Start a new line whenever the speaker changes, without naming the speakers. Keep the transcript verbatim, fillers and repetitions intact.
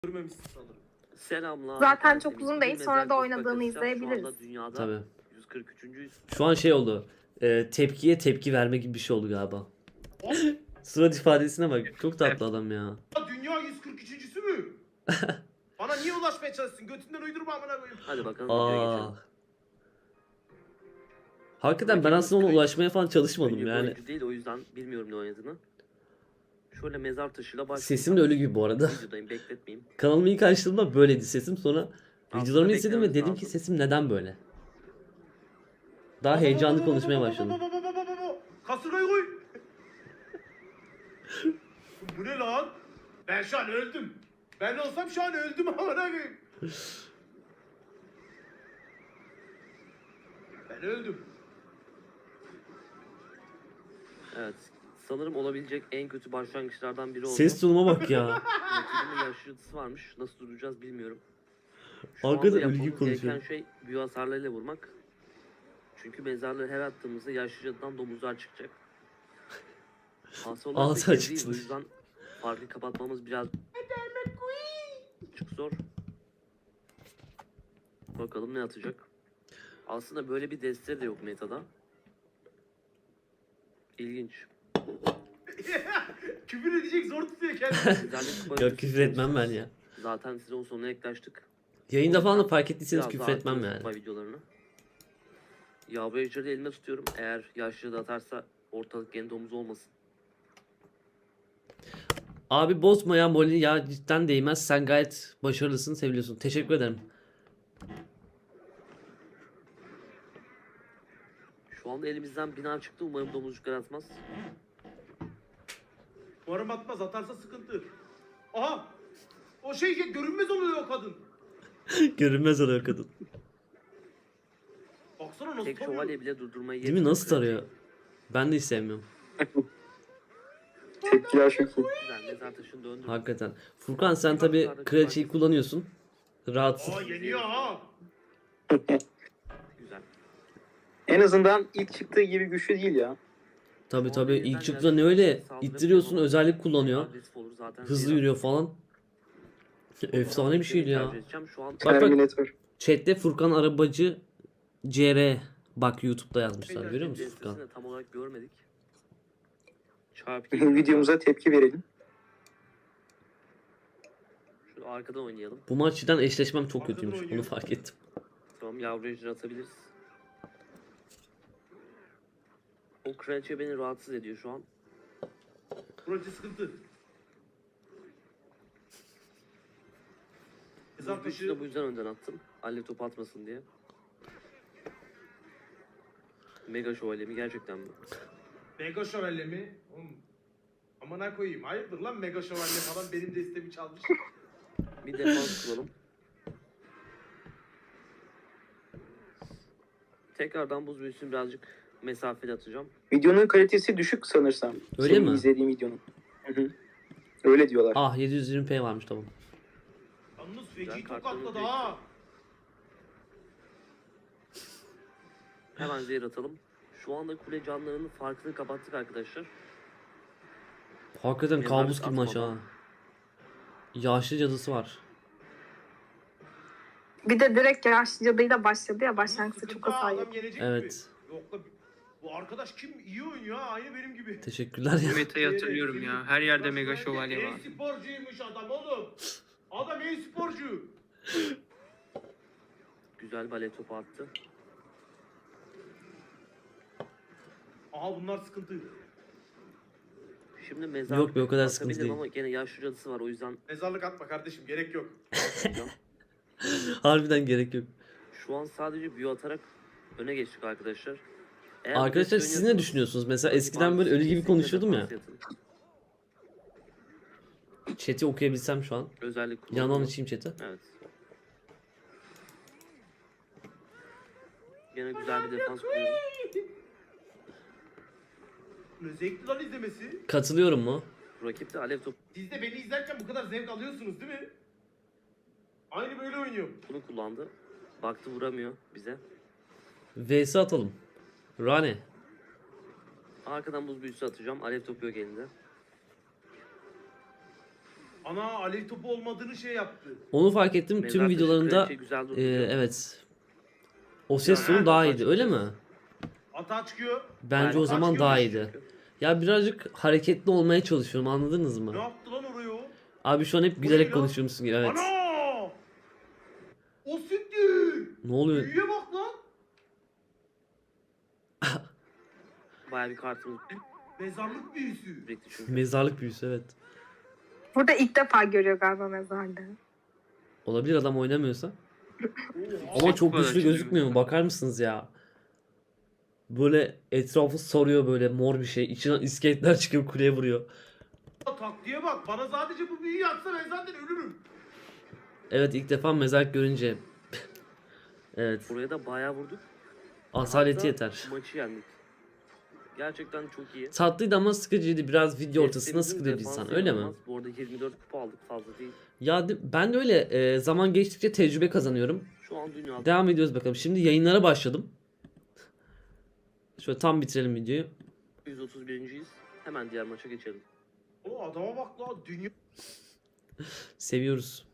Görmemişsin sanırım.
Selamlar.
Zaten çok
Temiz
uzun
bir
değil,
mezar
sonra da
kız
oynadığını
bakacağız. Şu anda
izleyebiliriz.
dünyada
Tabii.
yüz kırk üçüncüyüz.
Şu an şey oldu. E, tepkiye tepki verme gibi bir şey oldu galiba. Surat ifadesine bak. Çok tatlı adam ya.
Dünya yüz kırk üçüncüsü mü? Bana niye ulaşmaya çalışsın? Götünden uydurma amına koyayım.
Hadi bakalım videoya
Aa.
geçelim.
Hakikaten ben aslında ona ulaşmaya falan çalışmadım
Ünlü bir
yani.
oyuncu değil, o yüzden bilmiyorum ne oynadığını. Şöyle mezar taşıyla başlayalım.
Sesim de ölü gibi bu arada.
Videodayım, bekletmeyeyim.
Kanalımı ilk açtığımda böyleydi sesim. Sonra
Aslında
videolarımı izledim ve
beklememiz
dedim ki
lazım.
sesim neden böyle? Daha heyecanlı konuşmaya başladım.
Kasırgayı koy. Bu ne lan? Ben şu an öldüm. Ben olsam şu an öldüm amına koyayım. Ben öldüm.
Evet. Sanırım olabilecek en kötü başlangıçlardan biri oldu.
Ses tonuma bak ya.
Rakibinin yaşlısı varmış. Nasıl duracağız bilmiyorum. Şu
Hakikaten
anda
ölü gibi
yapmamız
konuşuyor.
gereken şey büyü hasarlarıyla vurmak. Çünkü mezarlığı her attığımızda yaşlı cadıdan domuzlar çıkacak. Hastalar
Ağzı
pek
açık
değil, o
tutun.
yüzden farkı kapatmamız biraz çok zor. Bakalım ne atacak. Aslında böyle bir deste de yok metada. İlginç.
Küfür edecek zor tutuyor kendini.
Güzellik kupa
Yok küfür etmem ben ya.
Zaten sezon sonuna yaklaştık.
Yayında falan da fark ettiyseniz
Biraz
küfür
daha
etmem
atıyoruz
yani.
kupa videolarını. Yavru ejderi elime tutuyorum. Eğer yaşlı da atarsa ortalık gene domuz olmasın.
Abi bozma ya Molly ya, cidden değmez. Sen gayet başarılısın, seviliyorsun. Teşekkür ederim.
Şu anda elimizden bina çıktı. Umarım domuzcuklar atmaz.
Umarım atmaz, atarsa sıkıntı. Aha! O şey ya, görünmez oluyor o kadın.
Görünmez oluyor kadın.
Baksana nasıl
Tek
tanıyor.
şövalye bile durdurmayı
Değil mi? Nasıl tarıyor? Ben de hiç sevmiyorum.
Tepkiler çok iyi.
Güzel. Mezar taşını döndürdüm.
Hakikaten. Furkan sen tabi kraliçeyi kullanıyorsun. Rahatsın.
Aa yeniyor ha.
Güzel.
En azından ilk çıktığı gibi güçlü değil ya.
Tabi tabi ilk çıktığında ne öyle ittiriyorsun, özellik kullanıyor.
Agresif olur zaten.
Hızlı
Zira-
yürüyor falan. Efsane bir şeydi ya.
Tercih edeceğim. Şu an
Bak bak,
Terminator.
chatte Furkan Arabacı C R. Bak YouTube'da yazmışlar, görüyor musun
Destesini
Furkan?
de tam olarak görmedik. Çarpı iki.
Videomuza tepki verelim.
Şöyle arkadan oynayalım.
Bu maçtan eşleşmem çok
Arkadan
kötüymüş,
oynuyor.
onu fark ettim.
Tamam, yavru ejder atabiliriz. O kraliçe beni rahatsız ediyor şu an.
Burası sıkıntı. Mezar
Bu güçlü
taşı.
de bu yüzden önden attım. Alev topu atmasın diye. Mega şövalye mi gerçekten mi?
Mega şövalye mi? Oğlum, amına koyayım. Hayırdır lan mega şövalye falan benim destemi çalmış.
Bir defans kuralım. Tekrardan buz büyüsünü birazcık mesafeli atacağım.
Videonun kalitesi düşük sanırsam.
Öyle
Senin
mi?
izlediğim videonun. Hı hı. Öyle diyorlar.
Ah yedi yüz yirmi p varmış, tamam.
Yalnız
Güzel,
feci
kartlarımız
tokatladı
büyük.
ha.
Hemen zehir atalım. Şu anda kule canlarının farkını kapattık arkadaşlar.
Hakikaten
Mezarlık
kabus gibi maç
atmadan.
ha. Yaşlı cadısı var.
Bir de direkt yaşlı cadıyla başladı ya, başlangıçta
Sıkıntı
çok
ha,
hasar
adam
yedi.
yenecek
Evet.
gibi. Yok lan, bu arkadaş kim? İyi oynuyor ha, aynı benim gibi.
Teşekkürler ya.
Bu metayı hatırlıyorum ya. Her yerde mega şövalye var.
E-sporcuymuş adam oğlum. Adam e-sporcu.
Güzel bale topu attı.
Aha bunlar sıkıntı.
Şimdi mezar
Yok be, o kadar sıkıntı
atabilirim
değil.
ama gene yaşlı cadısı var, o yüzden
Mezarlık atma kardeşim, gerek yok.
atmayacağım.
Harbiden gerek yok.
Şu an sadece büyü atarak öne geçtik arkadaşlar. Eğer
Arkadaşlar
bu
siz
desteği
ne
oynuyorsanız-
düşünüyorsunuz? Mesela eskiden böyle ölü gibi
Kesinlikle
konuşuyordum ya.
defans yatın.
Chat'i okuyabilsem şu an.
Özellik
Yandan
kullanalım.
açayım chat'i.
Evet. Gene güzel bir defans kuruyorum.
Ne zevkli lan izlemesi.
Katılıyorum mu?
Rakip de alev topu
Siz de beni izlerken bu kadar zevk alıyorsunuz değil mi? Aynı böyle oynuyorum.
bunu kullandı. Baktı vuramıyor bize.
V S atalım. Rane.
Arkadan buz büyüsü atacağım. Alev topu yok elinde.
Ana alev topu olmadığını şey yaptı.
Onu fark ettim.
Mezar
Tüm
taşı
videolarında
kraliçe güzel
e,
duruyor.
evet. O ses
Ya,
tonu daha
evet,
iyiydi öyle mi?
Ata çıkıyor.
Bence
Aynen,
o zaman
çıkıyor
daha
mu?
iyiydi. Ya birazcık hareketli olmaya çalışıyorum anladınız
Ne
mı?
yaptı lan oraya o?
Abi şu an hep
Bu
gülerek
ne lan?
konuşuyormuşsun gibi evet.
Ana! O siktir!
Ne oluyor?
Büyüye bak lan.
Bayağı bir kartımız
Mezarlık büyüsü.
sürekli çünkü.
Mezarlık büyüsü evet.
Burada ilk defa görüyor galiba mezarda.
Olabilir adam oynamıyorsa.
Oha.
Ama çok
bu kadar
güçlü
çizgi
gözükmüyor mu? Bakar mısınız ya? Böyle etrafı sarıyor böyle mor bir şey. İçinden iskeletler çıkıyor kuleye vuruyor.
Taktiğe bak. Bana sadece bu büyüyü atsa ben zaten ölürüm.
Evet ilk defa mezarlık görünce. Evet.
Buraya da bayağı vurduk.
Asaleti
Hatta
yeter.
Maçı yendik. Gerçekten çok iyi.
Tatlıydı ama sıkıcıydı. Biraz video ortasında
Testimizin
sıkılıyor
defansı
insan. Öyle mi?
inanılmaz. Bu arada yirmi dört kupa aldık, fazla değil.
Ya de- ben de öyle e, zaman geçtikçe tecrübe kazanıyorum.
Şu an dünyada
Devam ediyoruz bakalım. Şimdi yayınlara başladım. Şöyle tam bitirelim videoyu.
yüz otuz birinciyiz. Hemen diğer maça geçelim.
O adama bak lan. Dünya
Seviyoruz.